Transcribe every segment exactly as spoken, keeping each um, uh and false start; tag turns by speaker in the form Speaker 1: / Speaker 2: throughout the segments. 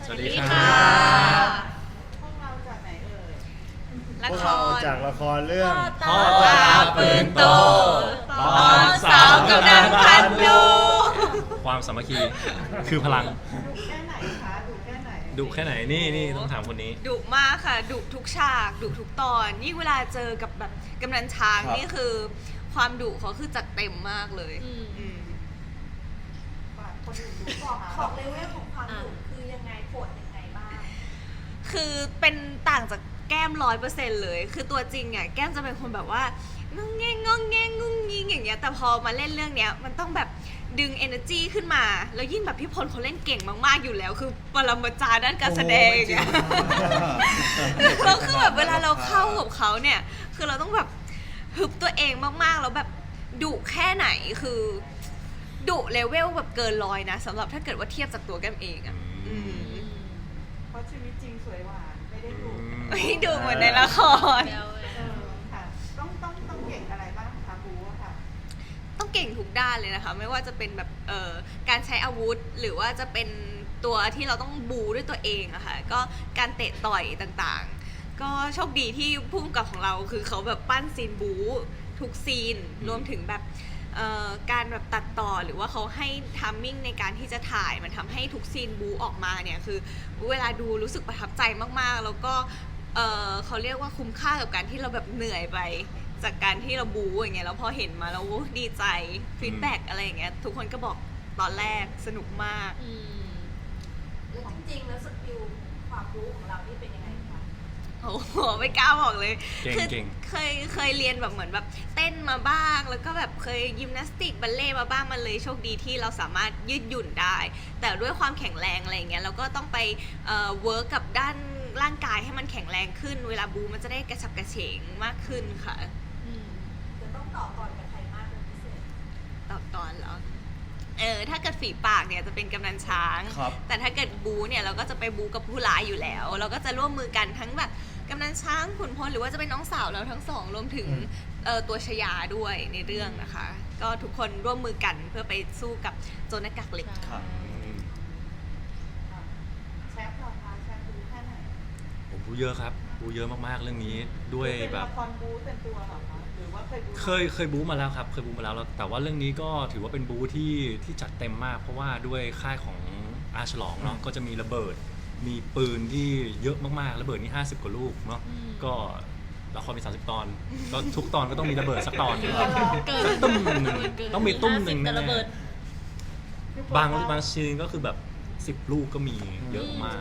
Speaker 1: สวัสดีค่ะ
Speaker 2: พวกเราจากไหนเอ่ย
Speaker 3: ละ
Speaker 4: พวก
Speaker 3: ค
Speaker 4: เรา
Speaker 3: ร
Speaker 4: จากละครเรื่อง
Speaker 1: พ่อตาปืนโต
Speaker 3: ตอนสาวกำลังพันดู
Speaker 1: ความสามัคคีคือพลัง
Speaker 2: ดุแค่ไหนคะดุแค่ไหน
Speaker 1: ดุแค่ไหนนี่นี่ต้องถามคนนี้
Speaker 3: ดุมากค่ะดุทุกฉากดุทุกตอนยิ่งเวลาเจอกับแบบกำนันช้าง
Speaker 4: ครับ
Speaker 3: นี่คือความดุเขาคือจัดเต็มมากเลยอืม
Speaker 2: ฝากคนอื่นดูก่อน
Speaker 5: ของเลเวลของความดุคือยังไงโหดยังไงบ้าง
Speaker 3: คือเป็นต่างจากแก้มร้อยเปอร์เซ็นต์เลย คือตัวจริงอ่ะแก้มจะเป็นคนแบบว่างงแงงงงแงงงุ้งยิงอย่างเงี้ยแต่พอมาเล่นเรื่องเนี้ยมันต้องแบบดึง energy ขึ้นมา แล้วยิ่งแบบพี่พลเขาเล่นเก่งมากๆอยู่แล้ว คือปรมาจารย์ด้านการแสดงอย่างเงี้ยแล้วคือแบบเวลาเราเข้ากับเขาเนี่ยคือเราต้องแบบฮึบตัวเองมากๆแล้วแบบดุแค่ไหนคือดุเลเวลแบบเกินร้อยนะสำหรับถ้าเกิดว่าเทียบจากตัวแก้มเองอ่ะอืม
Speaker 2: เพราะชีวิตจริงสวยหวานไม่ได้ดุ
Speaker 3: ไม่ดูเหมือนในละคร
Speaker 2: เออค่ะต้องต้องต้องเก่งอะไรบ้างคะบูอะค่ะ
Speaker 3: ต้องเก่งทุกด้านเลยนะคะ ไม่ว่าจะเป็นแบบเอ่อการใช้อาวุธ หรือว่าจะเป็นตัวที่เราต้องบูด้วยตัวเองอะค่ะก็การเตะต่อยต่างๆ ก็โชคดีที่พุ่มกับของเราคือเขาแบบปั้นซีนบูทุกซีนรวมถึงแบบเอ่อการแบบตัดต่อหรือว่าเขาให้ทัมมิ่งในการที่จะถ่ายมันทำให้ทุกซีนบูออกมาเนี่ยคือเวลาดูรู้สึกประทับใจมากๆ แล้วก็เอ่อเขาเรียกว่าคุ้มค่ากับการที่เราแบบเหนื่อยไป จากการที่เราบูอย่างเงี้ยแล้วพอเห็นมาแล้วโอ้ดีใจฟีดแบ็กอะไรอย่างเงี้ยทุกคนก็บอกตอนแรกสนุกมาก
Speaker 5: แล้วจริงๆ แล้วสกิลความรู้ของเรานี่เป็นยังไงคะ
Speaker 3: โอ้โหไม่กล้าบอกเลย
Speaker 1: เก่ง
Speaker 3: คือ
Speaker 1: เก่ง
Speaker 3: เคยเคยเรียนแบบเหมือนแบบเต้นมาบ้าง แล้วก็แบบเคยยิมนาสติกบัลเล่ต์มาบ้างมันเลยโชคดีที่เราสามารถยืดหยุ่นได้ แต่ด้วยความแข็งแรงอะไรอย่างเงี้ยเราก็ต้องไปเอ่อเวิร์กกับด้านร่างกายให้มันแข็งแรงขึ้น เวลาบูมันจะได้กระฉับกระเฉงมากขึ้นค่ะ
Speaker 5: จะต้องต่อกรกับใครมากเป็นพิเศษ
Speaker 3: ตอบตอนเหรอ เออ ถ้าเกิดฝีปากเนี่ยจะเป็นกำนันช้าง
Speaker 4: ครับ
Speaker 3: แต่ถ้าเกิดบูเนี่ยเราก็จะไปบูกับผู้ร้ายอยู่แล้ว เราก็จะร่วมมือกันทั้งแบบกำนันช้างขุนพลหรือว่าจะเป็นน้องสาวเราทั้งสองรวมถึง
Speaker 4: อืม
Speaker 3: เออตัวชยาด้วยในเรื่องนะคะ ก็ทุกคนร่วมมือกันเพื่อไปสู้กับโจรหน้ากากเหล็ก
Speaker 4: ครับ
Speaker 2: ค่ะแชมป์เหราคะแชมป์บูแค่ไหน
Speaker 1: ผมบูเยอะครับบูเยอะมากๆเรื่องนี้ด้วย
Speaker 2: เป็น
Speaker 1: แบบ
Speaker 2: ละครบูเต็มตัวเหรอคะหรือว่าเคยบู
Speaker 1: เคยเคยบู๊มาแล้วครับเคยบู๊มาแล้วแล้วแต่ว่าเรื่องนี้ก็ถือว่าเป็นบู๊ที่ที่จัดเต็มมาก เพราะว่าด้วยค่ายของอาฉลองเนาะก็จะมีระเบิด มีปืนที่เยอะมากๆระเบิดนี่ห้าสิบกว่าลูกเนาะก็ละครมีสามสิบตอน ก็ทุกตอนก็ต้องมีระเบิดสักตอนหนึ่งสักตุ้มหนึ่งต้องมีตุ้มหนึ่งแน่ๆบางบางซีนก็คือแบบสิบลูกก็มีเยอะมาก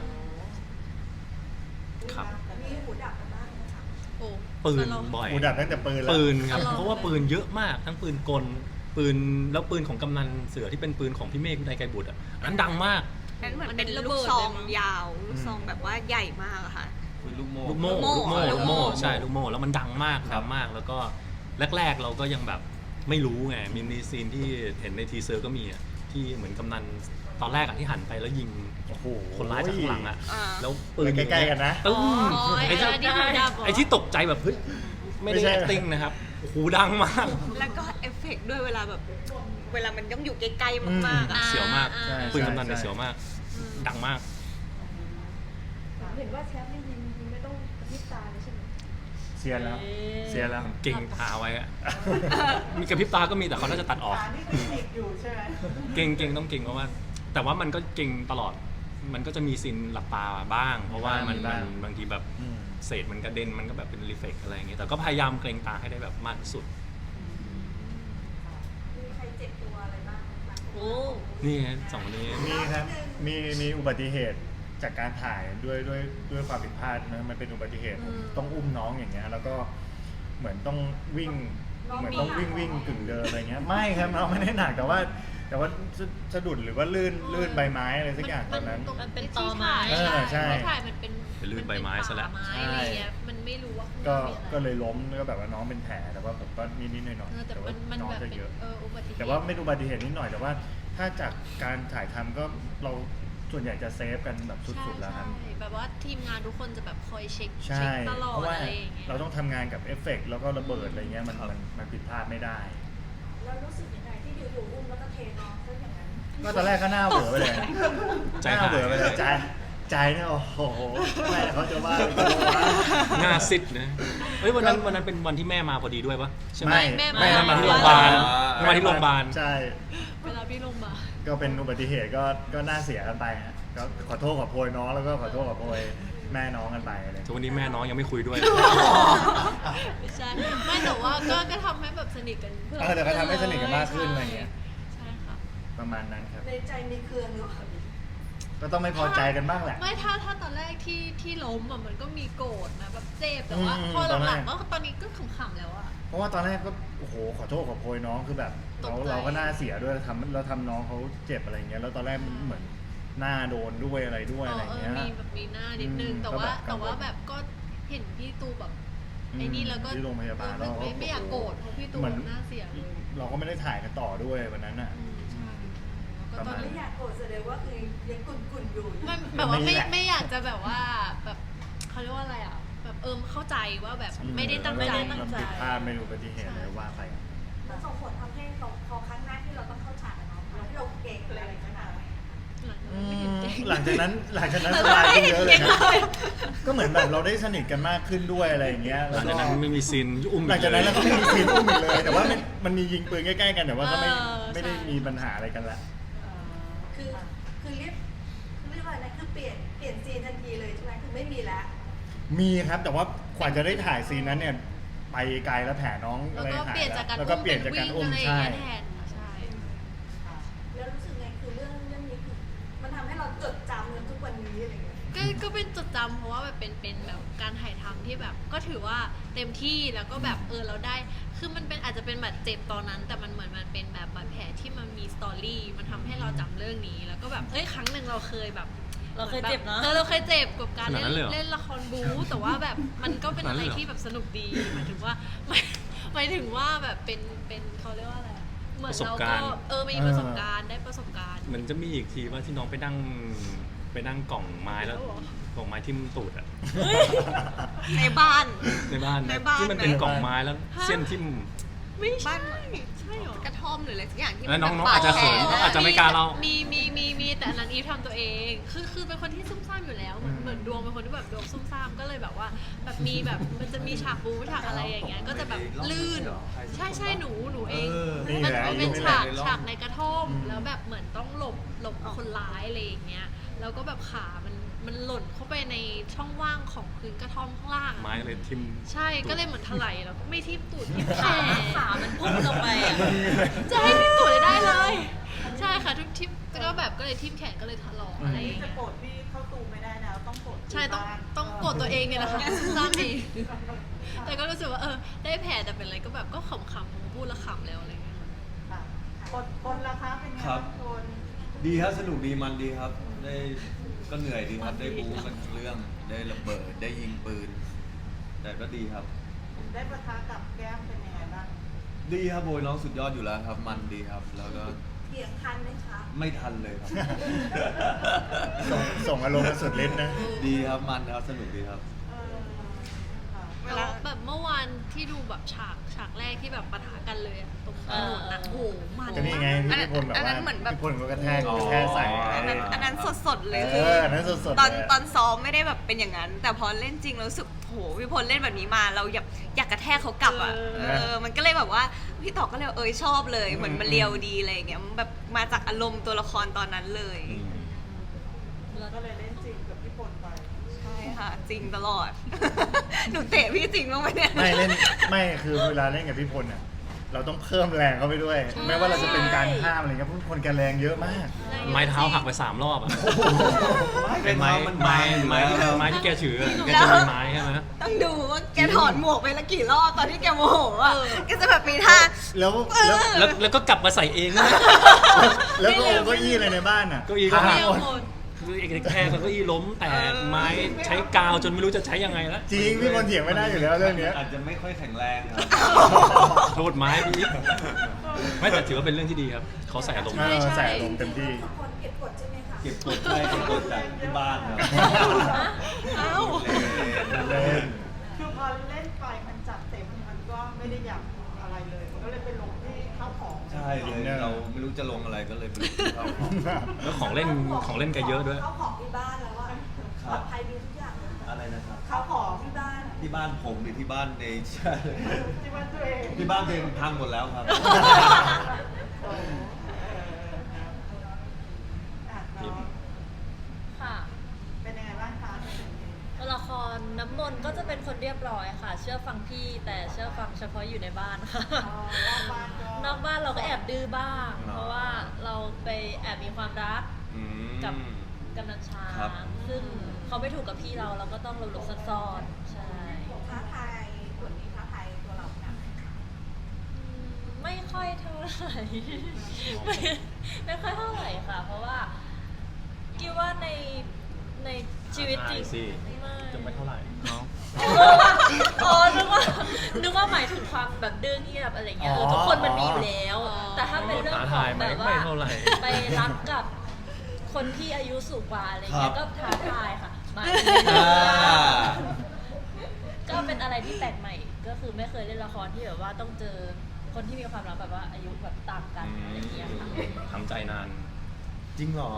Speaker 1: ครับ
Speaker 5: มีหูดับกันบ้างไหมคะ
Speaker 1: ปืนบ่อย
Speaker 4: หูดับตั้งแต่ปืนแล้ว
Speaker 1: ปืนครับเพราะว่าปืนเยอะมากทั้งปืนกลปืนแล้วปืนของกำนันเสือที่เป็นปืนของพี่เมฆวินัยไกรบุตรอ่ะอันนั้นดังมาก
Speaker 3: นั้นเหมือนเป็น
Speaker 6: มันเป็นระ
Speaker 3: ลู
Speaker 6: เบิ
Speaker 3: ก
Speaker 6: ด
Speaker 3: ซอง
Speaker 6: เลยมั้ง
Speaker 3: ยาว ลูกซองแบบว่าใหญ่มากอะค่ะ
Speaker 4: ลูกโม่
Speaker 1: ลูกโม่
Speaker 3: ลู
Speaker 1: ลู
Speaker 3: ก
Speaker 1: ก
Speaker 3: โม่
Speaker 1: โม่
Speaker 3: ลู
Speaker 1: ลู
Speaker 3: ก
Speaker 1: ก
Speaker 3: โม่
Speaker 1: โม่ใช่ลูกโม่แล้วมันดังมากดังมากแล้วก็แรก ๆ เราก็ยังแบบไม่รู้ไงมีมีซีนที่เห็นในทีเซอร์ก็มีอะที่เหมือนกำนันตอนแรกอะที่หันไปแล้วยิง
Speaker 4: โอ้โห
Speaker 1: คนร้ายจากข้างหลังอะ
Speaker 3: อ่า
Speaker 1: แล้วปืน
Speaker 4: ใกล้ๆกันนะ
Speaker 1: ตึ้ง
Speaker 6: อ๋อ
Speaker 1: ไอ้ที่
Speaker 6: ไอ้ที่หูดับเหรอ
Speaker 1: ไอ้ที่ตกใจแบบเฮ้ยไม่ได้
Speaker 4: ไม่ใช่
Speaker 1: acting นะครับโอ้โหดังมาก
Speaker 3: แล้วก็เอฟเฟกต์ด้วยเวลาแบบเวลามันต้องอยู่ใกล้ๆมากๆอะ
Speaker 1: เสียวมาก
Speaker 6: อ่า
Speaker 4: ใช่
Speaker 1: ปืนกำนันเนี่ย
Speaker 4: ใช่
Speaker 1: เสียวมาก ดังมาก
Speaker 5: เห็นว่าแชมป์นี่ยิงยิงไม่ต้องกระพริบตาเลยใช่ไหม
Speaker 4: เสียแล้ว เสียแล้ว
Speaker 1: เก่งตาไว้อะ มีกระพริบตาก็มีแต่เขาน่าจะตัดออก
Speaker 2: อ่านี่คือเด็กอยู่ใช่ไหม
Speaker 1: เก่งเก่งต้องเก่งเพราะว่า แต่ว่ามันก็เก่งตลอด มันก็จะมีซีนหลับตาบ้าง เพราะว่ามัน
Speaker 4: มีบ้าง
Speaker 1: มันบางทีแบบ
Speaker 4: อืม
Speaker 1: เศษมันกระเด็นมันก็แบบเป็นรีเฟกอะไรอย่างเงี้ยแต่ก็พยายามเกรงตาให้ได้แบบมากที่สุด
Speaker 5: มีใครเจ็บตัวอะไรบ้างไหมคะ
Speaker 6: โอ้
Speaker 1: นี่ฮะสองคนนี้
Speaker 4: มีครับ มีมีอุบัติเหตุจากการถ่ายด้วยด้วยด้วยความผิดพลาดนะมันเป็นอุบัติเหตุผมต้องอุ้มน้องอย่างเงี้ยแล้วก็เหมือนต้องวิ่งเหมือนต้องวิ่งวิ่งกึ่งเดินอะไรเงี้ยไม่ครับน้องไม่ได้หนักแต่ว่า แต่ว่าสะสะดุดหรือว่าลื่นลื่นใบไม้อะไรสักอย่างตอนนั้น
Speaker 6: มันเป็นตอไม้
Speaker 4: เออใช่
Speaker 6: ไม่ถ่ายมันเป็น
Speaker 1: เป็นลื่นใบไม้ซะแล้ว
Speaker 6: มันเป็นป่าไม้อะไรเงี้ยมันไม่รู้ว่า
Speaker 4: ก็
Speaker 6: ข้างนอมีอะไร
Speaker 4: ก็เลยล้มแล้วก็แบบว่าน้องเป็นแผลแต่ว่าผมก็นิดนิดหน่อยหน่อย
Speaker 6: เออแต่
Speaker 4: แต่ว่า
Speaker 6: มันมัน
Speaker 4: น้อง
Speaker 6: แบบ
Speaker 4: จะ
Speaker 6: เป็น
Speaker 4: เยอะ
Speaker 6: เอออุบัติเหตุ
Speaker 4: แต่ว่าไม่อุบัติเหตุนิดหน่อยแต่ว่าถ้าจากการถ่ายทำก็เราส่วนใหญ่จะเซฟกันแบบสุดๆแล้วครับ
Speaker 6: ใช่แบบว่าทีมงานทุกคนจะแบบคอยเช็ค
Speaker 4: ใช่
Speaker 6: เช็คตลอ
Speaker 4: เพ
Speaker 6: ด
Speaker 4: ราะว่า
Speaker 6: อะไรอย่างเงี้ย
Speaker 4: เราต้องทำงานกับเอฟเฟกต์แล้วก็ระเบิดอะไรเงี้ยมัน
Speaker 1: ครับ
Speaker 4: มันมันผิดพลาดไม่ได้
Speaker 5: แล้วรู้สึกยังไงที่อยู่ๆอุ้มแล้วก็เทน้องซะอย่างนั้น
Speaker 4: ก็ตอนแรกก็หน้าเหวอไปเลย
Speaker 1: ใจ
Speaker 4: หน้า
Speaker 1: หาย
Speaker 4: เหวอไปเลยใจใจเนี่ยโอ้โหไม่เขาจะว่าเขาจะว่า
Speaker 1: หน้าซิดนะเฮ้ยวันนั้นวันนั้นเป็นวันที่แม่มาพอดีด้วยปะใช่ไหม
Speaker 4: ไม่
Speaker 6: แม่
Speaker 1: แม่
Speaker 6: มา
Speaker 1: มาที่โรงพยาบาลแม่มาที่โรงพยาบาล
Speaker 4: ใช่
Speaker 6: เวลาพี่ลงมาล
Speaker 4: ก็เป็นอุบัติเหตุก็ก็น่าเสียกันไปฮะก็ขอโทษขอโพยน้องแล้วก็ขอโทษขอโพยแม่น้องกันไปอะไร
Speaker 1: ทุกวันนี้แม่น้องยังไม่คุยด้วย
Speaker 6: ไม่ใช่ไม่แต่ว่าก็ก็ทำให้แบบสนิทกันเพิ่ม
Speaker 4: เออแต่ก็ทำให้สนิทกันมากขึ้นอะไรเงี้ย
Speaker 6: ใช่ค่ะ
Speaker 4: ประมาณนั้นครับ
Speaker 5: ในใจมีเครืองหรือเปล่า
Speaker 4: ก็ต้องไม่พอใจกันบ้างแหละ
Speaker 6: ไม่ถ้าถ้าตอนแรกที่ที่ล้มอ่ะมันก็มีโกรธนะแบบเจ็บแต่ว่า
Speaker 4: อืม
Speaker 6: พอ
Speaker 4: ตอนแร
Speaker 6: หลั
Speaker 4: ก
Speaker 6: งๆก็ตอนนี้ก็ขำๆแล้วอะ
Speaker 4: เพราะว่าตอนแรกก็โอ้โหขอโทษขอโพยน้องคือแบบเรา
Speaker 6: ตกใจ
Speaker 4: เราก็น่าเสียด้วยทำเราทำน้องเขาเจ็บอะไรเงี้ยแล้วตอนแรกเหมือนหน้าโดนด้วยอะไรด้วยอะไรเงี้ย
Speaker 6: มีแบบมีหน้านิดนึง
Speaker 4: อืม
Speaker 6: แต่
Speaker 4: ก็
Speaker 6: ว่า
Speaker 4: แบบกั
Speaker 6: แต่
Speaker 4: งวล
Speaker 6: ว่าแบบก็เห็นพี่ตูแบบ
Speaker 4: อืม
Speaker 6: ไอ้นี่แล้วก็
Speaker 4: ที่โรงพยาบาล
Speaker 6: เออไม่
Speaker 4: เราก็
Speaker 6: ไม่อยากโกรธเพราะพี่ตู
Speaker 4: เหมือน
Speaker 6: หน้าเสียเลย
Speaker 4: เราก็ไม่ได้ถ่ายกันต่อด้วยวันนั้นอ่ะ
Speaker 6: อืมใช่แล้วก็
Speaker 4: ประ
Speaker 6: ตอ
Speaker 4: มาณ
Speaker 6: น
Speaker 5: ไม่
Speaker 6: นี้
Speaker 5: อยากโกรธแสดงว่าคือยังกุ่นๆอยู่
Speaker 6: ไม่แบบว่า
Speaker 4: ไม่
Speaker 6: ไม่
Speaker 4: แหละ
Speaker 6: ไม่อยากจะแบบว่าแบบเขาเรียกว่าอะไรอ่ะแบบเออเข้าใจว่าแบบไม่ได้ตั้งใจ
Speaker 4: เราเราผิดพลาดไม่รู้อุบัติเหตุอะไรว่าไป
Speaker 5: มันส่งผลทำให้เราพอครั้งหน้าที่เราต้องเข้าฉากกับน้องที่เราเก่งอะไรขนาดไหน
Speaker 6: หลังจากนั้นไม่เห็นเก่ง
Speaker 4: หลังจากนั้นหลังจากนั้นสบายขึ้นเยอะเลยนะก็เหมือนแบบเราได้สนิทกันมากขึ้นด้วยอะไรอย่างเงี้ย
Speaker 1: หลังจากนั้นไม่มีซีนอุ้ม
Speaker 4: หลังจากนั้นเราก็ไม่มีซีนอุ้มอีกเลย แต่ว่ามันมันมียิงปืนใกล้ๆกันแต่ว่าก็ไม่
Speaker 6: เออ
Speaker 4: ไม่ได้
Speaker 6: ใช่
Speaker 4: มีปัญหาอะไรกันละ
Speaker 5: คือคือเรียกคือเรียกว่าอะไรนะคือเปลี่ยนเปลี่ยนซีนทันทีเลยใช่ไหมคือไม่มีแล้ว
Speaker 4: มีครับแต่ว่ากว่าจะได้ถ่ายซีนนั้นเนี่ยไปไกลแล้วแผลน้อง
Speaker 6: แล้
Speaker 4: อะ
Speaker 6: ว
Speaker 4: ไร
Speaker 6: ก็
Speaker 4: หาย
Speaker 6: เปลี่ยนจากการ
Speaker 4: แล้วก็เปลี่ยนจากการอุ้ม
Speaker 6: อะไรอ
Speaker 4: ใช่
Speaker 6: ย่างเงี้ยแทนใช่
Speaker 5: แล้วรู้สึกไงคือเรื่องเรื่องนี้คือมันทำให้เราจดจำกันทุกวันนี้อะไรอย่างเงี้ย
Speaker 6: ก็ก็เป็นจดจำเพราะว่าแบบเป็นเป็นแบบการถ่ายทำที่แบบ ก็ถือว่าเต็มที่แล้วก็แบบเออเราได้ คือมันเป็นอาจจะเป็นบาดเจ็บตอนนั้น แต่มันเหมือนมันเป็นแบบบาดแผลที่มันมีสตอรี่มันทำให้เราจำเรื่องนี้ แล้วก็แบบเอ้ยครั้งหนึ่งเราเคยแบบ
Speaker 7: เราเคยเจ็บเนอะ
Speaker 6: เออเราเคยเจ็บกับการ
Speaker 1: ขนาด
Speaker 6: เล่
Speaker 1: นั้น
Speaker 6: น
Speaker 1: เลยเหรอ
Speaker 6: เล่นละครบู๊แต่ว่าแบบมันก็เป็นอะไร
Speaker 1: ขนาดนั้นเลยเหรอ
Speaker 6: ที่แบบสนุกดีหมายถึงว่า หมายหมายถึงว่าแบบเป็นเป็นเขาเรียกว่าอะไรอะเหมือนเราก็เออมีประสบการณ์ได้ประสบการณ์
Speaker 1: เหมือนจะมีอีกทีว่าที่น้องไปนั่งไปนั่งกล่องไม้แล้ว
Speaker 6: แล้วเหรอ
Speaker 1: กล่องไม้ทิ่มตูดอะ
Speaker 3: ในบ้าน
Speaker 1: ในบ้าน
Speaker 3: ในบ้าน
Speaker 1: ที่มันเป็น
Speaker 3: ไหม
Speaker 1: กล่องไม้แล้ว
Speaker 6: ฮะ
Speaker 1: เส้นทิ่ม
Speaker 6: ไม่ใช่
Speaker 3: บ้าน
Speaker 6: ใช่เหรอ
Speaker 3: กระท่อมหรืออะไรสักอย่างที่
Speaker 1: แล้วน้อง
Speaker 3: มั
Speaker 1: น้องอาจจะเขิน
Speaker 3: บดแผล
Speaker 1: น้องอาจจะไม่กล้าเล่า
Speaker 6: มีมีมีมีแต่อันนั้นอีฟทำตัวเอง คือคือเป็นคนที่ซุ่มซ่ามอยู่แล้ว เหมือนเหมือนดวงเป็นคนที่แบบดวงซุ่มซ่ามก็เลยแบบว่า แบบมีแบบมันจะมีฉากบูฉากอะไรอย่างเงี้ย ก็จะแบบลื่น ใช่ใช่หนูหนูเอง
Speaker 4: นี่
Speaker 6: มัน
Speaker 4: แหละ
Speaker 6: มันเป็น
Speaker 4: นี่แห
Speaker 6: ฉา
Speaker 4: ละ
Speaker 6: กฉากในกระท่อม
Speaker 4: อืม
Speaker 6: แล้วแบบเหมือนต้องหลบหลบคนร้ายอะไรอย่างเงี้ย แล้วก็แบบขามันมันหล่นเข้าไปในช่องว่างของพื้นกระท่อมข้างล่างอะ
Speaker 1: ไม้เลยทิ่ม
Speaker 6: ใช่ ก็เลยเหมือนถลายแล้วก็ไม่ทิ่มตูดทิ่มแข
Speaker 7: ขาน ขามันพุ่งลงไปอ่ะ
Speaker 6: จะให้ทิ่มตูดได้เลย ใช่ค่ะทุกทิ่มก็แบบก็เลยทิ่มแขนก็เลยถลอกอะไรอย่าง
Speaker 2: จะ
Speaker 6: เงี้ย
Speaker 2: โกรธพี่เข้าตูไม่ได้นะต้องโกรธ
Speaker 6: ใช่ต้องต้องโกรธตัวเองเนี่ยแหละค่ะซ้ำเองแต่ก็รู้สึกว่าเออได้แผลแต่เป็นอะไรก็แบบก็ขำๆพูดและขำแล้วอะไรเงี้ย
Speaker 2: คนคนละคะเป็นไง
Speaker 8: ครับ
Speaker 2: างคน
Speaker 8: ดีครับสนุกดีมันดีครับ ได้ก็เหนื่อยดีครับ ได้บู๊กันทั้งเรื่อง ได้ระเบิดได้ยิงปืน แต่ก็ดีครับ
Speaker 2: ได้ประทะกับแก้มเป็นยังไงบ้าง
Speaker 8: ดีครับโบยน้องสุดยอดอยู่แล้วครับ มันดีครับ แล้วก็
Speaker 5: เถียงทันไหมคะ
Speaker 8: ไม่ทันเลยครับ
Speaker 4: ส่งส่งอารมณ์กันสุดฤทธิ์นะ
Speaker 8: ดีครับมันครับสนุกดีครับ
Speaker 2: เออค่ะ
Speaker 3: เวลา
Speaker 6: แบบเมื่อวานที่ดูแบบฉากฉากแรกที่แบบปะทะกันเลยอะตรงถนนอะโอ้โหมัน
Speaker 4: ก็นี่ไงที่พี่พลแบบ
Speaker 3: อันนั้
Speaker 4: ว่าน
Speaker 3: เหมือนแบบ
Speaker 4: พี่พลก็กระแทก
Speaker 8: อ๋อ
Speaker 4: กระแทกใส่
Speaker 3: อันนั้นอันนั้นสดๆเลย
Speaker 4: เอ
Speaker 3: คือ
Speaker 4: ออันนั้นสดๆ
Speaker 3: ตอน
Speaker 4: เลยะ
Speaker 3: ตอนซ้อมไม่ได้แบบเป็นอย่างนั้น แต่พอเล่นจริงเรารู้สึกโหพี่พลเล่นแบบนี้มาเราอยากอยากกระแทกเขากลับอ่ะ
Speaker 6: เออ
Speaker 3: เออมันก็เลยแบบว่าพี่ต่อก็เลยเอยชอบเลยเหมือนมันเรียวดีอะไรอย่างเงี้ยมันแบบมาจากอารมณ์ตัวละครตอนนั้นเลย
Speaker 1: อืม
Speaker 2: แล้วก็เลยเล่นจริงกับพี่พลไป
Speaker 3: ใช่ค่ะ จริงตลอด หนูเตะพี่จริงบ้างไหมเนี่ย
Speaker 4: ไม่เล่นไม่คือเวลาเล่นกับพี่พลอ่ะเราต้องเพิ่มแรงเข้าไปด้วย แม้ว่าเราจะเป็นการห้ามอะไรเงี้ยเพราะคนแกแรงเยอะมาก
Speaker 1: ไม้เท้าหักไปสามรอบอะ
Speaker 8: เป็
Speaker 1: เป็น
Speaker 8: น
Speaker 1: ไม้
Speaker 8: ไม้มัน
Speaker 1: ไม้
Speaker 8: บางอยู่
Speaker 1: ไม้
Speaker 8: แล้ว
Speaker 1: ไม้ที่แกถืออะแกจะมีไม้ใช่ไหม
Speaker 3: ต้องดูว่าแกถอดหมวกไปละกี่รอบตอนที่แกโมโหอ่ะแกจะแบบมีท่า
Speaker 4: แล้วแล้ว
Speaker 1: แล้วแล้วก็กลับมาใส่เองนะ
Speaker 4: แล้วก็เอาเก้าอี้อะไรในบ้านอ่ะ
Speaker 1: เก้าอี้ก็
Speaker 4: พั
Speaker 1: หั
Speaker 4: ง
Speaker 6: เรี
Speaker 4: ห
Speaker 6: ยว
Speaker 4: มด
Speaker 6: หมด
Speaker 1: คือเอกแค่เก้าอี้ล้มแตกไม้ใช้กาวจนไม่รู้จะใช้ยังไงแล้ว
Speaker 4: จริงพี่พลเถียงไม่ได้อยู่แล้วเรื่องเนี้ย
Speaker 8: อาจจะไม่ค่อยแข็งแรงครับ
Speaker 1: โทษไม้พี่ไม่แต่ถือว่าเป็นเรื่องที่ดีครับเขาใส่อารมณ์
Speaker 4: เออใส่อารมณ์เต็มที่
Speaker 5: ทุกคนเก็บกดใช่ไหมคะ
Speaker 8: เก็บกดได้เก็บกดจากที่บ้านครับ
Speaker 6: เอ้า
Speaker 4: เล่น
Speaker 2: คือพอเล่นไปมันจัดเต็มมันก็ไม่ได้อยากอะไรเลย มันก็เลยเป็นลงที่ข้าวของ
Speaker 8: ใช่เลยเราไม่รู้จะลงอะไรก็เลยไปลงที่เขาของ
Speaker 1: แล้วของเล่นของเล่นแกเยอะด้วย
Speaker 5: เขาของที่บ้านแล้วอะปลอดภัยดีทุกอย่างเลย
Speaker 8: อะไรนะครับ
Speaker 5: ข้าวของที่บ้าน
Speaker 8: ที่บ้านผมหรือที่บ้านใน
Speaker 2: ที่บ้านตัวเอง
Speaker 8: ที่บ้านตัวเองพังหมดแล้วครับ
Speaker 2: โอ้โหเอออ่ะน้อง
Speaker 7: ค่ะ
Speaker 2: เป็นยังไงบ้างคะ
Speaker 7: ตัวละครน้ำมนต์ก็จะเป็นคนเรียบร้อยค่ะ เชื่อฟังพี่แต่เชื่อฟังเฉพาะอยู่ในบ้านค่ะ
Speaker 2: อ๋อนอกบ้านก็
Speaker 7: นอกบ้านเราก็แอบดื้อบ้าง
Speaker 8: อ๋อ
Speaker 7: เพราะว่าเราไปแอบมีความรัก
Speaker 8: อืม
Speaker 7: กับกำนันช้า
Speaker 8: ครับ
Speaker 7: งซึ่งเขาไม่ถูกกับพี่เราเราก็ต้องหลบๆซ่อนๆใช่
Speaker 5: ท้าทายส่วนนี้ท้าทายตัวเราหนักไหมคะ
Speaker 7: อืมไม่ค่อยเท่าไหร่ ไม่ไม่ค่อยเท่าไหร่ค่ะ เพราะว่าคิดว่าในในชีวิตจริง
Speaker 1: ท้าทายสิ
Speaker 7: ไม่
Speaker 1: จะไม่เท่าไหร่เนาะ
Speaker 7: อ๋อนึกว่านึกว่าหมายถึงความแบบดื้อเงียบอะไรเงี้ยเออทุกคนมันมีอยู่แล้ว แต่ถ้าเป็นเรื่องของแบบว่า
Speaker 1: ท้าทายไม่เท่าไหร่
Speaker 7: ไปรักกับคนที่อายุสูงกว่าอะไร
Speaker 8: ครั
Speaker 7: เงี้
Speaker 8: บ
Speaker 7: ยก็ท้าทายค่ะมา
Speaker 8: อ่า
Speaker 7: ก็เป็นอะไรที่แปลกใหม่ ก็คือไม่เคยเล่นละครที่แบบว่าต้องเจอคนที่มีความรักแบบว่าอายุแบบต่างกันอะไรเงี้ยค่ะ
Speaker 1: ทำใจนาน
Speaker 8: จริงเหรอ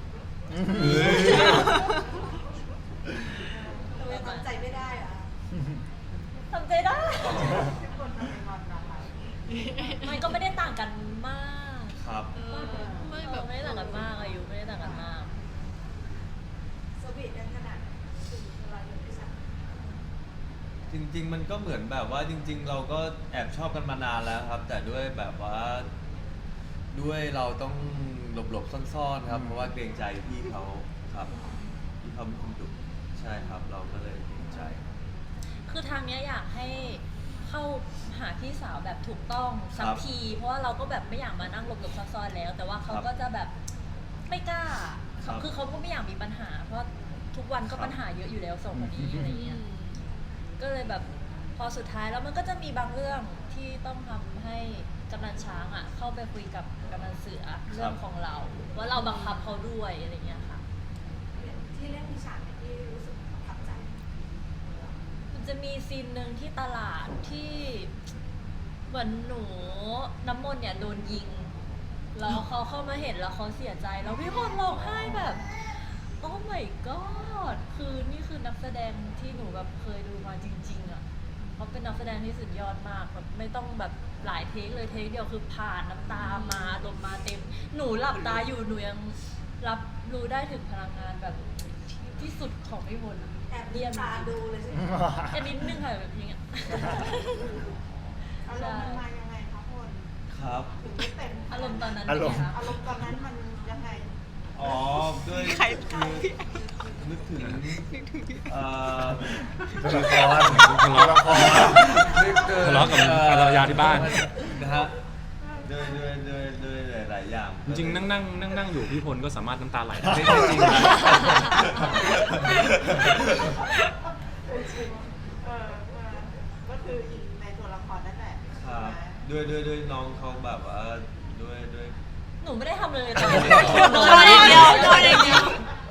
Speaker 5: เรายังทำใจไม่ได้เหรอ
Speaker 7: ทำใจได้
Speaker 2: ที่คนทำเป็นงอนนะคะ
Speaker 7: มันก็ไม่ได้ต่างกันมาก
Speaker 8: ครับ
Speaker 7: ไม่แบบไม่ได้ต่างกันมากอายุไม่ได้ต่างกันมาก
Speaker 5: สวีทกันขนาดถึงเวลาอยู่ด้วยกัน
Speaker 8: จริง ๆ มันก็เหมือนแบบว่าจริง ๆ เราก็แอบชอบกันมานานแล้วครับ แต่ด้วยแบบว่าด้วยเราต้องหลบๆซ่อนๆครับ เพราะว่าเกรงใจพี่เขาครับพี่เขาเป็นคนดุใช่ครับ เราก็เลยเกรงใจ
Speaker 7: คือทางเนี้ยอยากให้เข้าหาพี่สาวแบบถูกต้องสัก
Speaker 8: ครับ
Speaker 7: ที เพราะว่าเราก็แบบไม่อยากมานั่งหลบๆซ่อนๆแล้ว แต่ว่าเขา
Speaker 8: ครับ
Speaker 7: ก็จะแบบไม่กล้า
Speaker 8: ครับ
Speaker 7: คือเขาก็ไม่อยากมีปัญหา เพราะทุกวันก็
Speaker 8: ครับ
Speaker 7: ปัญหาเยอะอยู่แล้วสองคนนี้อะไรเงี้ย ก็เลยแบบพอสุดท้ายแล้วมันก็จะมีบางเรื่องที่ต้องทำให้กำนันช้างอ่ะเข้าไปคุยกับกำนันเสือเรื่องของเรา ว่าเราบังคับเขาด้วยอะไรเงี้ยค่ะ
Speaker 5: ที่เล่นมีฉากไหนที่รู้สึกประทับใจ
Speaker 7: มันจะมีซีนหนึ่งที่ตลาดที่เหมือนหนูน้ำมนต์เนี่ยโดนยิง แล้วเขาเข้ามาเห็นแล้วเขาเสียใจแล้วพี่พลร้องไห้แบบ โอ้ my god คือนี่คือนักแสดงที่หนูแบบเคยดูมาจริงๆอ่ะเขาเป็นนักแสดงที่สุดยอดมากแบบไม่ต้องแบบหลายเทคเลยเทคเดียวคือผ่านน้ำตามาลมณ์มาเต็ม หนูหลับตาอยู่หนูยังรับรู้ได้ถึงพลังงานแบบที่สุดของพี่พล
Speaker 5: แอบ
Speaker 7: เยี่ยม
Speaker 5: ตา
Speaker 7: จริ
Speaker 5: ดู
Speaker 7: ง
Speaker 5: เลยใช่ไหม
Speaker 7: แค่นิดนึงค่ะแบบอย่างเงี้ย
Speaker 2: อารมณ์มันมายังไงคะพล
Speaker 8: ครับ
Speaker 2: ถึงไม่เต็ม
Speaker 7: อารมณ์ตอนนั้น
Speaker 4: อารมณ์
Speaker 7: เป็นไงคะ
Speaker 2: อารมณ์ตอนนั้นมันยังไง
Speaker 8: อ๋อด้วย
Speaker 3: ใคร
Speaker 8: คือนึกถึงเอ่อ
Speaker 4: ตัวละคร
Speaker 1: ทะเลาะ
Speaker 4: ตัวละคร
Speaker 1: ทะเลาะกับภรรยาที่บ้าน
Speaker 8: นะฮะด้วยด้วยด้วยด้วยหลายๆอย่าง
Speaker 1: จริงๆนั่งนั่งนั่งนั่งอยู่พี่พลก็สามารถน้ำตาไหลได้
Speaker 8: ไม่
Speaker 1: จ
Speaker 8: ใช่จ
Speaker 1: ริ
Speaker 8: ริ
Speaker 1: ง
Speaker 8: ง
Speaker 1: ๆ
Speaker 8: นะ
Speaker 1: นะ
Speaker 2: เออเออก็คืออินในตัวละครนั่นแหละ
Speaker 8: ครับ
Speaker 2: ใช่ไหม
Speaker 8: ด้วยด้วยด้วยน้องเขาแบบว่าด้วยด้วย
Speaker 7: หนูไม่ได้ทำเลยตอนนี้
Speaker 3: นอนอย่างเดียวนอนอย่างเดียว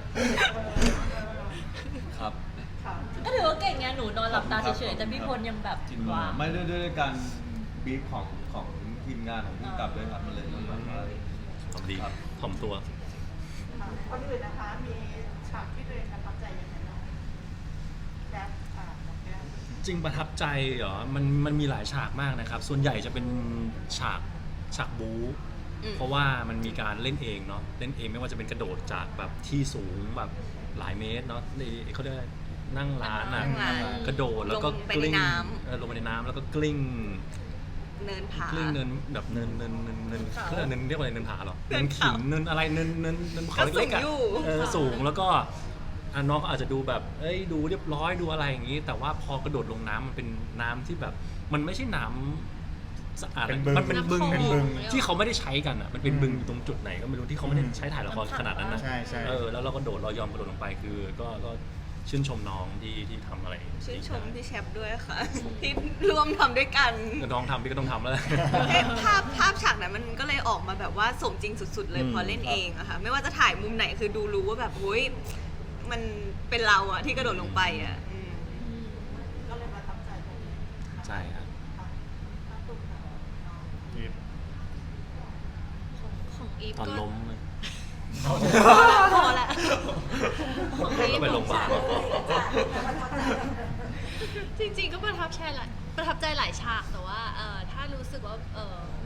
Speaker 8: ครับ
Speaker 2: ค่ะ
Speaker 7: ก็ถือว่าเก่งไงหนูนอนหลับตาเฉยๆแต่พี่พลยังแบบ
Speaker 8: จริง
Speaker 7: ว้าว
Speaker 8: ไม่ด้วยด้วยการบีฟของของทีมงานของผู้กำกับด้วยครับมันเลยต้องแบบว่า
Speaker 1: ถ่อมดี
Speaker 8: ครับ
Speaker 1: ถ่อมตัว
Speaker 2: ค่ะคนอื่นนะคะ มีฉากที่ตัวเองประทับใจยังไงบ้างแก๊ปอ่าน้องแก๊ป
Speaker 1: จริงประทับใจเหรอ มันมันมีหลายฉากมากนะครับ ส่วนใหญ่จะเป็นฉากฉากบู๊
Speaker 3: อืม
Speaker 1: เพราะว่ามันมีการเล่นเองเนาะ เล่นเองไม่ว่าจะเป็นกระโดดจากแบบที่สูงแบบหลายเมตรเนาะนี่เขาเรียกอะไรนั่งร้านอ่ะ
Speaker 3: นั่งร้าน
Speaker 1: กระโดดแล้วก็
Speaker 3: ลงไป
Speaker 1: กลิ้ง
Speaker 3: ในน้ำ
Speaker 1: เออลงไปในน้ำแล้วก็กลิ้ง
Speaker 3: เนินผาก
Speaker 1: ลิ้งเนินแบบเนินเนินเนินเนิน
Speaker 3: เขา
Speaker 1: เขาเรียกเนินเรียกว่าอะไรเนินผาเหรอ
Speaker 3: เนิ
Speaker 1: เนิ
Speaker 3: น
Speaker 1: น
Speaker 3: เขา
Speaker 1: ขิงเนินอะไรเนินเนินเนินเขา
Speaker 3: ก็สู
Speaker 1: เล็ก
Speaker 3: ง
Speaker 1: ๆอ่ะ
Speaker 3: อยู่
Speaker 1: เออสูงแล้วก็อ่ะน้องก็อาจจะดูแบบเอ้ยดูเรียบร้อยดูอะไรอย่างนี้ แต่ว่าพอกระโดดลงน้ำมันเป็นน้ำที่แบบ มันไม่ใช่น้ำสะอาด
Speaker 4: เป็นบึง
Speaker 1: มันเป็นบึง
Speaker 4: เป็นบึง
Speaker 1: ที่เขาไม่ได้ใช้กันอ่ะมันเป็นบึงอยู่ตรงจุดไหนก็ไม่รู้ที่เขาไม่ได้ใช้ถ่ายละครขนาดนั้นนะ
Speaker 4: ใช่ใช่
Speaker 1: เออแล้วเราก็โดดเรายอมกระโดดลงไปคือ ก็ก็ชื่นชมน้องที่ที่ทำอะไร
Speaker 3: ชื่นชม
Speaker 1: ดี
Speaker 3: พี่แชปด้วยค่ะ ที่ร่วมทำด้วยกัน
Speaker 1: ๆน้องทำพี่ก็ต้องทำแล้ว
Speaker 3: เอ๊ะภาพภาพฉากนั้นมันก็เลยออกมาแบบว่าสมจริงสุด ๆ เลย
Speaker 1: อืม
Speaker 3: พอเล่นเองอะค่ะ ไม่ว่าจะถ่ายมุมไหนคือดูรู้ว่าแบบโอ้ยมันเป็นเราอะที่กระโดดลงไปอะอืม
Speaker 2: ก็เลยประทับใจตรงนี้
Speaker 1: ใช่ครับ
Speaker 2: ค่ะถ้าตุ้มค่ะน้อง
Speaker 7: ของของอีฟ
Speaker 1: ตอน
Speaker 7: ก็
Speaker 1: ล้มเลย
Speaker 7: พอละของอีฟ
Speaker 1: แล้วไปโรงพยาบาล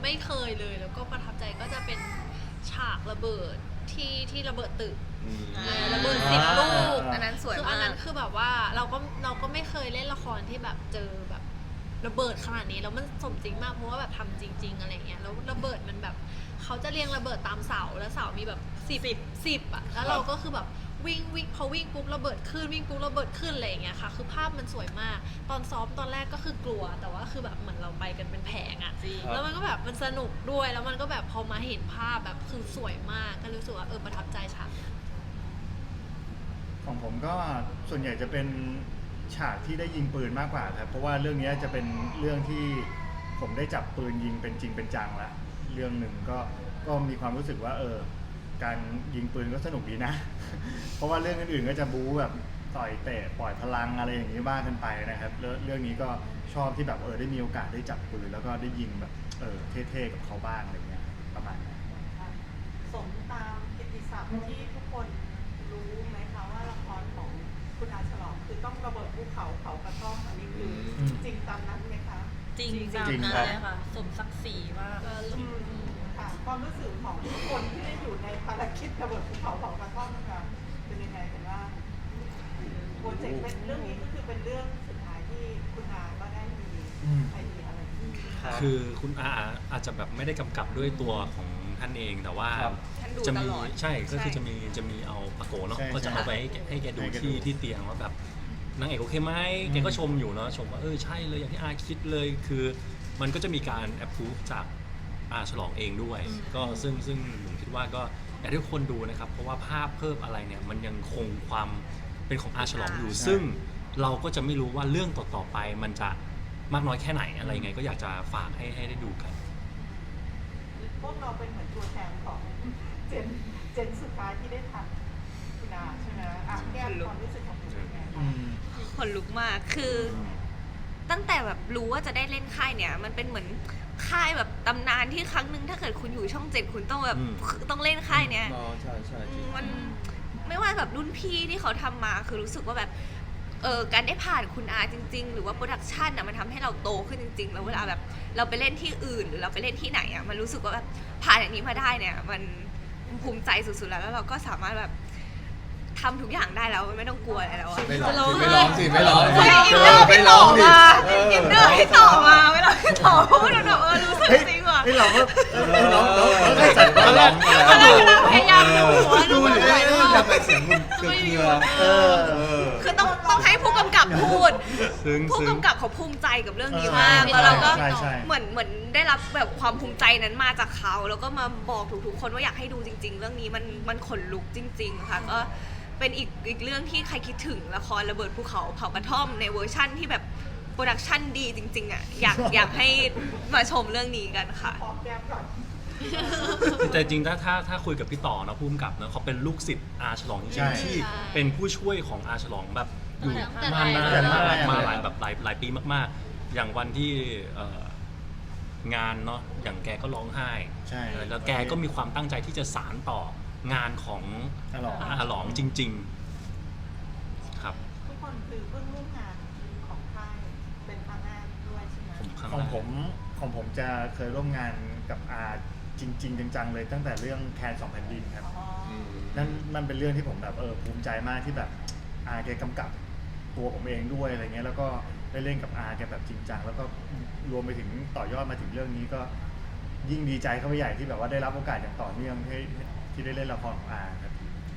Speaker 6: ไม่เคยเลยแล้วก็ประทับใจก็จะเป็นฉากระเบิดที่ที่ระเบิดตึก
Speaker 8: อืม
Speaker 3: อ่า
Speaker 6: ระเบิดสิบลูก
Speaker 3: อันนั้นสวย
Speaker 6: คืออั
Speaker 3: มาน
Speaker 6: นั้
Speaker 3: ก
Speaker 6: นคือแบบว่าเราก็เราก็ไม่เคยเล่นละครที่แบบเจอแบบระเบิดขนาดนี้แล้วมันสมจริงมากเพราะว่าแบบทำจริง ๆอะไรเงี้ยแล้วระเบิดมันแบบเขาจะเรียงระเบิดตามเสาแล้วเสามีแบบสิบสิบอ่ะแล้วเราก็คือแบบวิ่งวิ่งพอวิ่งปุ๊บระเบิดขึ้นวิ่งปุ๊บระเบิดขึ้นอะไรอย่างเงี้ยค่ะคือภาพมันสวยมากตอนซ้อมตอนแรกก็คือกลัวแต่ว่าคือแบบเหมือนเราไปกันเป็นแผงอ่ะแล้วมันก็แบบมันสนุกด้วยแล้วมันก็แบบพอมาเห็นภาพแบบคือสวยมากก็รู้สึกว่าเออประทับใจฉากนั้น
Speaker 4: ของผมก็ส่วนใหญ่จะเป็นฉากที่ได้ยิงปืนมากกว่าครับเพราะว่าเรื่องนี้จะเป็นเรื่องที่ผมได้จับปืนยิงเป็นจริงเป็นจังละเรื่องหนึ่งก็ก็มีความรู้สึกว่าเออการยิงปืนก็สนุกดีนะ เพราะว่าเรื่องอื่นๆก็จะบู๊แบบต่อยเตะปล่อยพลังอะไรอย่างนี้บ้างกันไปนะครับแล้วเรื่องนี้ก็ชอบที่แบบเออได้มีโอกาสได้จับปืนแล้วก็ได้ยิงแบบเออเท่ๆกับเขาบ้างอะไรเงี้ยประมาณนั้น
Speaker 2: สมตามกิตติศัพท์ที่ทุกคนรู้ไหมคะว่าละครของคุณอาฉลองคือต้องระเบิดภูเขาเผากระท่อมอันนี้คืออ
Speaker 4: ม
Speaker 2: จริงตามนั้นไหมคะ
Speaker 7: จริงจัง
Speaker 4: จริง
Speaker 7: นะครับ เลยค่ะ สมศักดิ์ศรีมาก
Speaker 2: อืมค่ะความรู้สึกของทุกคนที่ได้อยู่ในภารกิจระเบิดภูเขาเผากระท่อมนะคะเป็นยังไงกันบ้างโปรเจกต์เป็นเรื่องนี้ก็คือเป็นเรื่องสุดท้ายที่คุณอาก็ได้มี
Speaker 4: อืม
Speaker 2: ไอเดียอะไรที่
Speaker 1: คือคุณอาอาจจะแบบไม่ได้กำกับด้วยตัวของท่านเองแต่ว่า
Speaker 8: ครับ
Speaker 3: ท่านดู
Speaker 1: จะ
Speaker 3: ต
Speaker 1: มี
Speaker 3: ลอด
Speaker 1: ใช่ก็คือ
Speaker 3: ใช่
Speaker 1: จะมีจะมีเอาปะโกเนาะ
Speaker 4: ใช่
Speaker 1: ก็จะเอาไปให้แกให้แกดู
Speaker 4: ให้แก
Speaker 1: ที่
Speaker 4: ดู
Speaker 1: ที่เตียงว่าแบบนางเอกโอเคไหมแกก็ชมอยู่เนาะชมว่าเออใช่เลยอย่างที่อาคิดเลยคือมันก็จะมีการแอปพูฟจากอาฉลองเองด้วย ก็ซึ่งซึ่งผมคิดว่าก็อยากให้ทุกคนดูนะครับ เพราะว่าภาพเพิ่มอะไรเนี่ยมันยังคงความเป็นของอาฉลองอยู่
Speaker 4: ใช่
Speaker 1: ซึ่งเราก็จะไม่รู้ว่าเรื่องต่อๆไปมันจะมากน้อยแค่ไหนอะไรยังไง ก็อยากจะฝากให้ให้ได้ดูกัน
Speaker 2: พวกเราเป็นเหมือนตัวแทนของเจนเจนสุดท้ายที่ได้ทำคุณอาใช่ไหมอ่ะแก้ความรู้สึกของคุณเป็นไง
Speaker 4: อื
Speaker 2: คะ
Speaker 4: ม
Speaker 3: ขนลุกมาก คือตั้งแต่แบบรู้ว่าจะได้เล่นค่ายเนี่ย มันเป็นเหมือนค่ายแบบตำนานที่ครั้งหนึ่งถ้าเกิดคุณอยู่ช่องเจ็ดคุณต้องแบบ
Speaker 1: อืม
Speaker 3: ต้องเล่นค่ายเนี้ย
Speaker 8: อ๋อใช่ใช่
Speaker 3: อื
Speaker 8: จริ
Speaker 3: ม
Speaker 8: ง
Speaker 3: มันไม่ว่าแบบรุ่นพี่ที่เขาทำมาคือรู้สึกว่าแบบเออการได้ผ่านคุณอาจริง ๆ หรือว่าโปรดักชันอ่ะมันทำให้เราโตขึ้นจริง ๆ แล้วเวลาแบบเราไปเล่นที่อื่นหรือเราไปเล่นที่ไหนอ่ะมันรู้สึกว่าแบบผ่านอย่างนี้มาได้เนี่ย มันภูมิใจสุดๆแล้วแล้วเราก็สามารถแบบทำทุกอย่างได้แล้วไม่ต้องกลัวอะไรแล้วอะ
Speaker 8: ไม่ร้องสิไม่ร้องสิไม่ร้องสิ
Speaker 3: เฮ้ยอินเนอร์
Speaker 8: ไม่
Speaker 3: พี่
Speaker 8: ร้
Speaker 3: ต่
Speaker 8: อ
Speaker 3: อง
Speaker 8: ดิ
Speaker 3: มา
Speaker 8: เออ
Speaker 3: อินเนอร์พี่ต่อมาเวลาพี่ต่อพูดแบบเออรู้สึก
Speaker 4: เฮ้ย
Speaker 3: จริงว่ะ
Speaker 4: เฮ้ยเราก็เออน้องน้องน้องได้จัดตอนแรก
Speaker 3: ตอนแรกกำลังพยายามดูหัวดู
Speaker 8: ดู
Speaker 3: หัว
Speaker 8: ดิ
Speaker 3: หลายรอบ
Speaker 8: ทำไมเสียงมันเกลือๆ
Speaker 4: เออ
Speaker 8: เออ
Speaker 3: คือต้องต้องให้ผู้กำกับพูด
Speaker 1: ซึ่ง
Speaker 3: ผู้
Speaker 1: ซึ่ง
Speaker 3: กำกับเขาภูมิใจกับเรื่องนี้
Speaker 4: เออ
Speaker 3: มาก
Speaker 4: ใช่
Speaker 3: แล้วเราก็
Speaker 4: ใช่ใช่
Speaker 3: เหมือนเหมือนได้รับแบบความภูมิใจนั้นมาจากเขา แล้วก็มาบอกทุกๆคนว่าอยากให้ดูจริง ๆ เรื่องนี้มันมันขนลุกจริง ๆ ค่ะก็เป็นอีกอีกเรื่องที่ใครคิดถึงละครระเบิดภูเขาเผากระท่อมในเวอร์ชั่นที่แบบโปรดักชั่นดีจริง ๆอ่ะอยากอยากให้มาชมเรื่องนี้กันค่ะ
Speaker 2: พร้อมแก้มก่อน
Speaker 1: แต่จริงๆถ้าถ้าถ้าคุยกับพี่ต่อเนอะผู้กำกับเนอะเขาเป็นลูกศิษย์อาฉลองจ
Speaker 4: ใช่
Speaker 1: ริงๆที่เป็นผู้ช่วยของอาฉลองแบบอยู่
Speaker 6: ตั้งแต่
Speaker 1: มานาน
Speaker 6: แรก
Speaker 1: มาก
Speaker 4: ตั้งแต่แรก
Speaker 1: มาหลายแบบหลายหลายปีมากๆ อย่างวันที่เอ่องานเนาะอย่างแกก็ร้องไห้
Speaker 4: ใช่
Speaker 1: แล้วแกก็มีความตั้งใจที่จะสานต่องานของ
Speaker 4: ฉลอง
Speaker 1: อาหลองจริง ๆ ครับ
Speaker 2: ทุกคนคือเพิ่งร่วมงานของค่ายเป็นครั้งแรกด้วยใช่ไหม
Speaker 1: ผมครั้ง
Speaker 4: ของ
Speaker 1: แรก
Speaker 4: ผมของผมจะเคยร่วมงานกับอาจริง ๆ จังๆเลยตั้งแต่เรื่องแคนสองแผ่นดินครับ
Speaker 2: อ๋อ
Speaker 4: นั่นมันเป็นเรื่องที่ผมแบบเออภูมิใจมากที่แบบอาแกกำกับตัวผมเองด้วยอะไรเงี้ยแล้วก็ได้เล่นกับอาแกแบบจริงจังแล้วก็รวมไปถึงต่อยอดมาถึงเรื่องนี้ก็ยิ่งดีใจเข้าไปใหญ่ที่แบบว่าได้รับโอกาสอย่างต่อเนื่องที่ที่ได้เล่นละครของอาครับ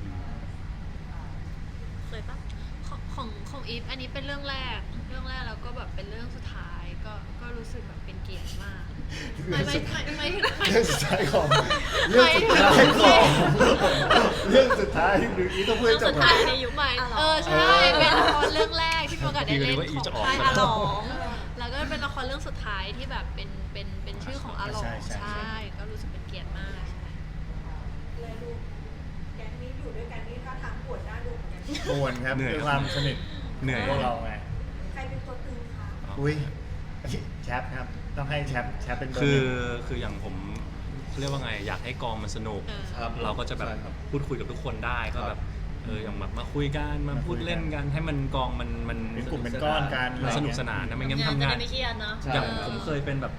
Speaker 6: เคยปะของของของอีฟอันนี้เป็นเรื่องแรก เรื่องแรกแล้วก็แบบเป็นเรื่องสุดท้ายก็ก็รู้สึกแบบเป็นเกียรติมากไม่ไม่ไม่ไม่ถึงไม่
Speaker 4: เรื่องสุดท้ายของเรื่องสุดท้ายของเรื่องสุดท้ายหรืออีต้องพูด
Speaker 6: เรื่
Speaker 4: ให้
Speaker 6: อง
Speaker 4: จ บก่อ
Speaker 6: สุดท้าย
Speaker 4: น
Speaker 6: ในยุคใหม่
Speaker 3: อาหลอง
Speaker 6: เออใช่เป็นละครเรื่องแรกที่มีโอกาสได้เล่น
Speaker 1: พี่ก็นึกว่าอี
Speaker 6: ของ
Speaker 1: จะออก
Speaker 6: ค่าย
Speaker 1: มา
Speaker 6: อาหลองแล้วก็เป็นละครเรื่องสุดท้ายที่แบบเป็นเป็นเป็นชื่อของอาหลอง
Speaker 4: ใช่ใช่
Speaker 6: ใช่ก็รู้สึกเป็นเกียรติมากใช่
Speaker 5: เลยดูแก๊งนี้อยู่ด้วยกันนี่ท่าทางปวดหน้าดูเหมือนกัน
Speaker 4: ปวนครับ
Speaker 1: เหนื่อย
Speaker 4: ด้วยความสนิท
Speaker 1: เหนื่อย
Speaker 4: พวกเราไง
Speaker 5: ใครเป็นตัวตึงคะ
Speaker 4: อุ้ยแชปครับต้องให้แชปแชปเป็นเบอร์
Speaker 1: คื
Speaker 4: ห
Speaker 1: อ
Speaker 4: นึ่ง
Speaker 1: คืออย่างผมเรียกว่าไงอยากให้กองมันสนุก
Speaker 6: เออ
Speaker 8: ครับ
Speaker 1: เราก็จะแบบ
Speaker 8: ใช่ครับ
Speaker 1: พูดคุยกับทุกคนได้ก็
Speaker 8: ครับ
Speaker 1: แบบเอออย่างแบบมาคุยกันมา
Speaker 4: มาคุ
Speaker 1: พู
Speaker 4: ย
Speaker 1: ด
Speaker 4: กัน
Speaker 1: เล่นกันให้มันกองมันมัน
Speaker 4: เป็นกลุ่มเป็นก้อนกัน
Speaker 1: มันสนุก
Speaker 4: อะไรเงี้ย
Speaker 1: สนานนะไม่งั้น
Speaker 7: งาน
Speaker 1: ทำ
Speaker 7: จะ
Speaker 1: งา
Speaker 7: ได้
Speaker 1: น
Speaker 7: ไม่เครียดเนาะ
Speaker 8: ใช่
Speaker 1: อย่างผมเคยเป็นแบบ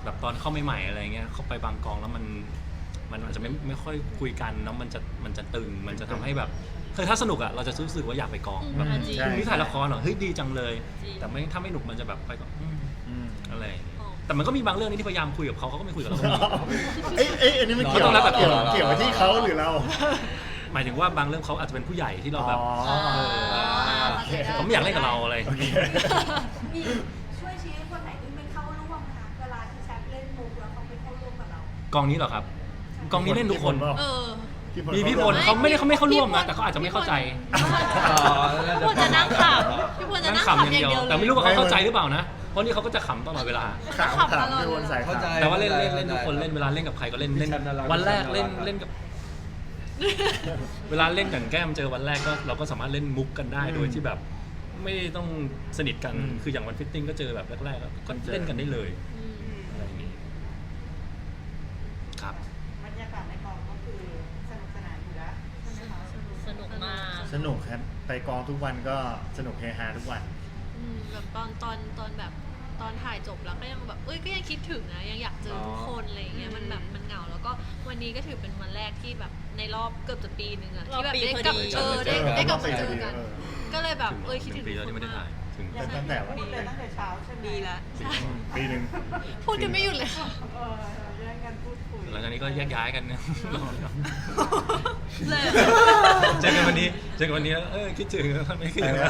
Speaker 1: แบบตอนเข้าใหม่ๆอะไรเงี้ยเข้าไปบางกองแล้วมันมันอาจจะไม่ไม่ค่อยคุยกันเนาะมันจะมันจะตึงมันจะทำให้แบบคือถ้าสนุกอ่ะเราจะรู้สึกว่าอยากไปกองแบบ
Speaker 7: อืมจริง
Speaker 4: ใช่
Speaker 1: นี่ถ่ายละครเหรอเฮ้ยดีจังเลย
Speaker 7: จริง
Speaker 1: แต่ไม่ถ้าไม่หนุกมันจะแบบไปก็อืม
Speaker 4: อืม
Speaker 1: อะไรอย่างเงี้ย
Speaker 6: อ๋อ
Speaker 1: แต่มันก็มีบางเรื่องนี่ที่พยายามคุยกับเขาเขาก็ไม่คุยกับเราก็มี
Speaker 4: เอ้ยเอ้ยอันนี้มันเกี่ยว
Speaker 1: ต้องแล้วแต่
Speaker 4: เกี่ยว
Speaker 1: ตัว
Speaker 4: เกี่ยวกับที่เขาหรือเรา
Speaker 1: หมายถึงว่าบางเรื่องเขาอาจจะเป็นผู้ใหญ่ที่เราแบบ
Speaker 4: อ๋อ
Speaker 1: เออ
Speaker 4: โอเค
Speaker 1: เขาไม่อยากเล่นกับเราอะไร
Speaker 4: โอเค
Speaker 5: มีช่วยชี้คนไหนที่ไม่เข้าร่วมนะคะเวลาที่แชทเล่นมุกแล้วเขาไม่เข้าร่วมกับเรา
Speaker 1: กองนี้เหรอครับกองนี้เล่นทุกคน
Speaker 6: เออ
Speaker 1: มีพี่พลเขาไม่ได้เขาไม่เข้าร่วมนะแต่เขาอาจจะไม่เข้าใจ
Speaker 6: พี่พลจะนั่งขำพี่พลจะ
Speaker 1: นั่ง
Speaker 6: นั่ง
Speaker 1: ขำ
Speaker 6: ขำ
Speaker 1: อย่าง
Speaker 6: อย่าง
Speaker 1: เดียว
Speaker 6: เดียวเลย
Speaker 1: แต่ไม่รู้ว่าเขาเข้าใจหรือเปล่านะเพราะนี่เขาก็จะขำตลอดเวลา
Speaker 4: ขาม
Speaker 6: ขำต
Speaker 4: ขาม
Speaker 6: ลอด
Speaker 4: พี่วนสาย
Speaker 8: เข้าใจ
Speaker 4: ขาม
Speaker 1: แต่ว่าเล่นเล่นเล่นทุกคน
Speaker 8: ได้
Speaker 1: เล่นเวลาเล่นกับใครก็เล่นเล่น
Speaker 8: พี่แชมป์น่ารัก
Speaker 1: วันแรก
Speaker 8: พี่
Speaker 1: เล่น
Speaker 8: แชมป์น่ารัก
Speaker 1: เล่นกับ เวลาเล่นกับแก้มเจอวันแรกก็เราก็สามารถเล่นมุกกันได้
Speaker 4: อืม
Speaker 1: โดยที่แบบไม่ต้องสนิทกัน
Speaker 4: อืม
Speaker 1: คืออย่างวันฟิตติ้งก็เจอแบบแรกๆก็เล่นกันได้เลย
Speaker 6: อืม
Speaker 1: อะไรอย่างนี้ครับ
Speaker 2: บรรยากาศในกองก็คือสนุกสนานอยู่แล้วใช่ไหมคะ
Speaker 7: สนุกมาก
Speaker 4: สนุกครับไปกองทุกวันก็สนุกเฮฮาทุกวัน
Speaker 6: อืมแบบตอนตอนตอนแบบตอนถ่ายจบแล้วก็ยังแบบเอ้ยก็ยังคิดถึงนะยังอยากเจอทุกคนอะไรอย่างเงี้ยมันแบบมันเหงาแล้วก็วันนี้ก็ถือเป็นวันแรกที่แบบในรอบเกือบจะปีหนึ่งอะที่แบบได้กลับ
Speaker 7: รอบปีพอดี
Speaker 6: เออได้
Speaker 4: เออ
Speaker 6: ได้กลับ
Speaker 4: รอบปี
Speaker 6: มาเจ
Speaker 4: พอ
Speaker 6: อ
Speaker 4: ดี
Speaker 6: กัน
Speaker 4: เออ
Speaker 6: ก็เลยแบบ
Speaker 1: ถึง
Speaker 6: เอ้ยคิด
Speaker 1: ห
Speaker 6: ถึ
Speaker 1: นึ่
Speaker 6: ง
Speaker 1: งปีแล้ว
Speaker 6: ทุก
Speaker 1: ที่ไม่ได้
Speaker 6: คน
Speaker 1: ถ่าย
Speaker 6: มาก
Speaker 1: ถึง
Speaker 2: ยังไง
Speaker 4: ตั้งแต่วัน
Speaker 2: พูดเลยตั้งแต่เช้าใช่ไหม
Speaker 3: ดีแล้ว
Speaker 4: อืมปีหนึ่ง
Speaker 6: พูดกันไม่หยุดเลยค่ะ
Speaker 2: เออแย่งกันพูดคุย
Speaker 1: หลังจากนี้ก็แยกย้ายกันนะ
Speaker 6: เลย
Speaker 1: เจอกันวันนี้เจอกันวันนี้แล้วเออคิดถึงไม่คิดถึงแล้ว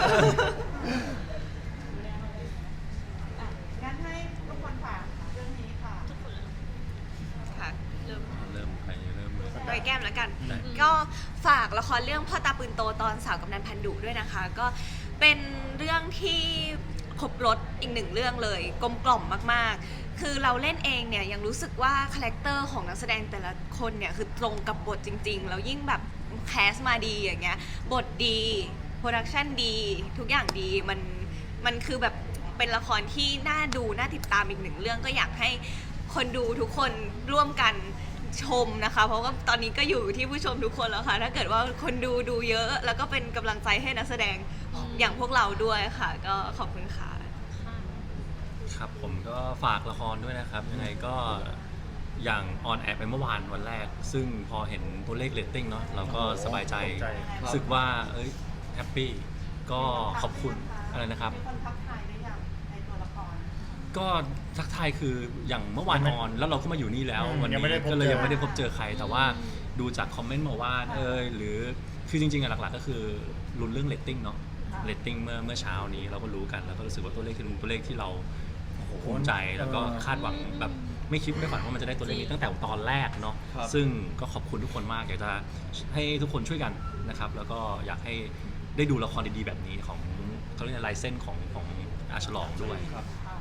Speaker 2: อ่ะงั้นให้ทุกคนฝากเรื่องนี้ค่ะ
Speaker 3: ค่ะ
Speaker 6: เริ่ม
Speaker 1: เริ่มใครเริ่มเลย
Speaker 3: โดยแก้มแล้วกัน
Speaker 1: ได้
Speaker 3: ก็ฝากละครเรื่องพ่อตาปืนโตตอนสาวกำนันพันดุด้วยนะคะ ก็เป็นเรื่องที่ครบรถอีกหนึ่งเรื่องเลยกลมกล่อมมากๆ คือเราเล่นเองเนี่ยยังรู้สึกว่าคาแรคเตอร์ของนักแสดงแต่ละคนเนี่ยคือตรงกับบทจริงๆแล้วยิ่งแบบแคสมาดีอย่างเงี้ยบทดีโปรดักชันดี ทุกอย่างดีมันมันคือแบบเป็นละครที่น่าดูน่าติดตามอีกหนึ่งเรื่องก็อยากให้คนดูทุกคนร่วมกันชมนะคะ เพราะว่าตอนนี้ก็อยู่ที่ผู้ชมทุกคนแล้วค่ะ ถ้าเกิดว่าคนดูดูเยอะ แล้วก็เป็นกำลังใจให้นักแสดงอย่างพวกเราด้วยค่ะ ก็ขอบคุณค่ะ
Speaker 1: ครับผมก็ฝากละครด้วยนะครับ ยังไงก็อย่างออนแอร์ไปเมื่อวานวันแรก ซึ่งพอเห็นตัวเลขเรตติ้งเนาะเราก็สบายใจ
Speaker 4: ตกใจ
Speaker 1: รู้สึกว่าเอ้ยแฮปปี้ก็ขอบคุณอะไรนะครับ
Speaker 2: มีคนทักทายได้ยังในตัวละคร
Speaker 1: ก็ทักทายคืออย่างเมื่อวาน
Speaker 4: ยังไม่
Speaker 1: ออน แล้วเราก็มาอยู่นี่แล้ว
Speaker 4: อืม
Speaker 1: วัน
Speaker 4: ยัง
Speaker 1: นี้
Speaker 4: ไม่ได้พบ
Speaker 1: ก็เลย
Speaker 4: เจอ
Speaker 1: ยังไม่ได้พบเจอใคร แต่ว่าดูจากคอมเมนต์มาว่าเอยหรือคือจริงๆอะหลักๆก็คือลุ้นเรื่องเรตติ้งเนาะ
Speaker 2: ค่ะ
Speaker 1: เรตติ้งเมื่อเมื่อเช้านี้เราก็รู้กันแล้วก็รู้สึกว่าตัวเลขคือตัวเลขที่เราโอ้โหภูมิใจแล้วก็คาดหวังแบบไม่คิดไม่ฝันว่ามันจะได้ตัวเลขนี้ตั้งแต่ตอนแรกเนาะ
Speaker 8: ครับ
Speaker 1: ซึ่งก็ขอบคุณทุกคนมากอยากจะให้ทุกคนช่วยกันนะครับ แล้วก็อยากให้ได้ดูละครดีๆแบบนี้ของเขาเรียกอะไรลายเส้นของของอาฉลองด้วย
Speaker 8: ครับ
Speaker 2: อ่า